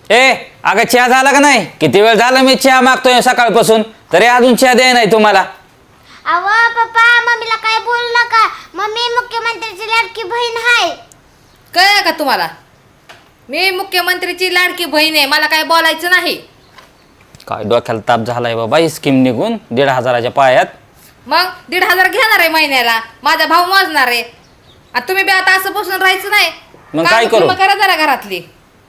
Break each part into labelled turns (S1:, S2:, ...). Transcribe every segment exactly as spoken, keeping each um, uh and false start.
S1: ए अगं चहा झाला का नाही? किती वेळ झाला मी चहा मागतोय सकाळपासून, तरी अजून चहा द्याय नाही तुम्हाला.
S2: अहो पप्पा मम्मीला काय बोलू नका. मम्मी मुख्यमंत्र्याची लाडकी बहीण आहे.
S3: कळलं का तुम्हाला? मी मुख्यमंत्रीची लाडकी बहीण आहे, मला काय बोलायचं नाही.
S1: काय डोक्याला ताप झालाय बाबा ही स्कीम निघून दीड हजाराच्या पायात.
S3: मग दीड हजार घेणार आहे महिन्याला, माझा भाऊ मोजणार आहे. आणि तुम्ही बी आता असं बसून राहायचं नाही.
S1: मग काय
S3: कामं
S1: करू?
S3: कुमं करा जरा घरातली.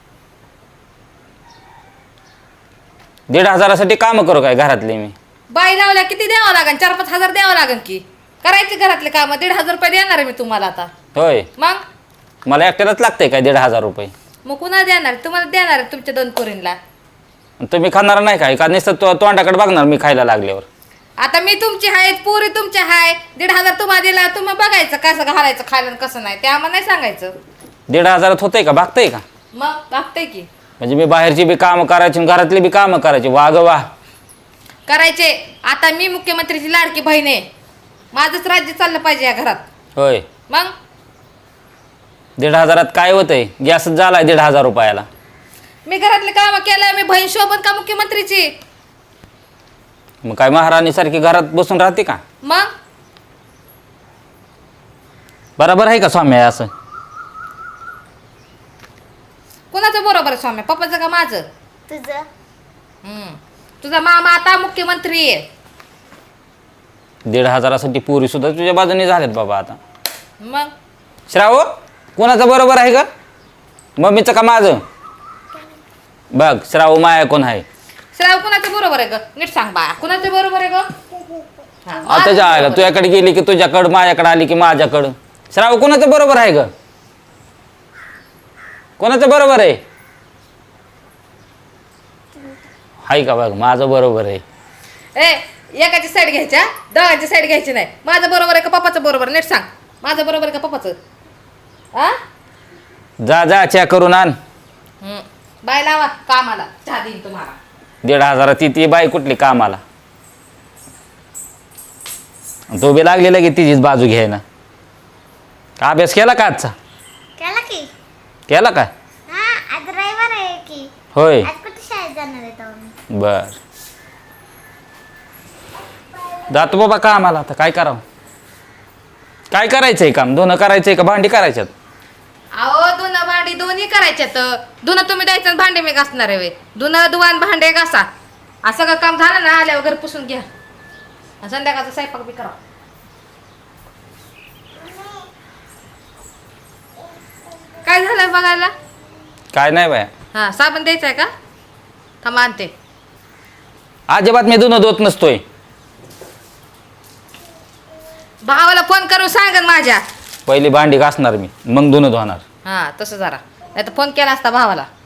S1: दीड हजारासाठी काम करू काय घरातले मी?
S3: बाई लावल्या किती द्यावं लागेल? चार पाच हजार द्यावं लागेल की. करायची घरातले काम. दीड हजार रुपये देणार आहे मी तुम्हाला आता.
S1: होय,
S3: मग
S1: मला एकट्यालाच लागतंय काय दीड हजार रुपये?
S3: मग कुणाला देणार? तुम्हाला देणार आहे तुमच्या दोन पोरींना.
S1: तुम्ही खाणार नाही काय का? नुसतं तो तोंडाकडे बघणार मी खायला लागल्यावर?
S3: आता मी तुमची आहे, पोरी तुमच्या आहे. दीड हजार तुम्हाला दिला, तुम्ही बघायचं कसं घालायचं खायला आणि कसं नाही, ते आम्हाला नाही सांगायचं.
S1: दीड हजारात होतंय का? भागतंय का?
S3: मग बघताय की.
S1: म्हणजे मी बाहेरची बी कामं करायची आणि घरातली बी कामं करायची. वाग वा
S3: करायचे. आता मी मुख्यमंत्रीची लाडकी बहीण आहे, माझंच राज्य चाललं पाहिजे या घरात.
S1: होय.
S3: मग
S1: दीड हजारात काय होतंय? गॅसच झालाय दीड हजार रुपयाला.
S3: मी घरातले काम केलं, मी बहीण शोभन का मुख्यमंत्रीची?
S1: मग काय महाराणी सारखी घरात बसून राहते का?
S3: मग
S1: बरोबर आहे का स्वामी असं?
S3: कोणाचं बरोबर आहे स्वामी? पप्पाचं का माझं?
S2: तुझं
S3: हम्म. तुझा मामा आता मुख्यमंत्री आहे.
S1: दीड हजारासाठी पुरी सुद्धा तुझ्या बाजूने झाल्यात बाबा आता.
S3: मग
S1: श्राव कोणाचं बरोबर आहे का? मम्मीचं का माझं? बघ श्राव माया कोण आहे?
S3: श्राव कुणाचं बरोबर आहे ग? नीट सांग बा, कुणाचं बरोबर आहे ग? हा,
S1: आता
S3: माझं
S1: जायला
S3: बरोबर.
S1: तुझ्याकडे गेली की तुझ्याकडं, माझ्याकडे आली की माझ्याकडं. श्राव कोणाचं बरोबर आहे ग? कोणाचं बरोबर आहे? हाय का? बघ माझं बरोबर आहे.
S3: ए एकाची साईड घ्यायच्या, दोघांची साईड घ्यायची नाही. माझं बरोबर आहे का पप्पाचं बरोबर? नीट सांग, माझं बरोबर आहे का पप्पाचं? हा
S1: जा जा चहा करून आण.
S3: हम्म. बाय लावा कामाला, चहा देईन तुम्हाला.
S1: दीड हजारात ती ती बाई कुठली कामाला? तो बी लागलेला की तिचीच बाजू घ्यायला. अभ्यास केला का आजचा?
S2: केला की?
S1: केला का?
S2: हा आज रविवार आहे की.
S1: होय.
S2: आज कुठे शाळेत जाणार आहे तुम्ही?
S1: बर जातो बाबा कामाला. आता काय करावं? काय करायचंय काम? धुणं करायचंय का भांडी करायच्यात?
S3: अहो धुणं भांडी दोन्ही करायच्यात. धुणं तुम्ही द्यायचं आणि भांडे मी घासणार आहे वे. धुणं धुवान भांडे घासा, असं का काम झालं ना आल्यावर घर पुसून घ्या. आणि संध्याकाळचा स्वयंपाक बी करा. काय झालंय बघायला?
S1: काय नाही बाया,
S3: हा साबण द्यायचा आहे का? थांबा आणते.
S1: अजिबात मी धुणं धुत नसतोय.
S3: भावाला फोन करून सांगन माझ्या.
S1: पहिली भांडी घासणार मी, मग धुणं धुणार.
S3: हा तसं जरा, नाही तर फोन केला असता भावाला.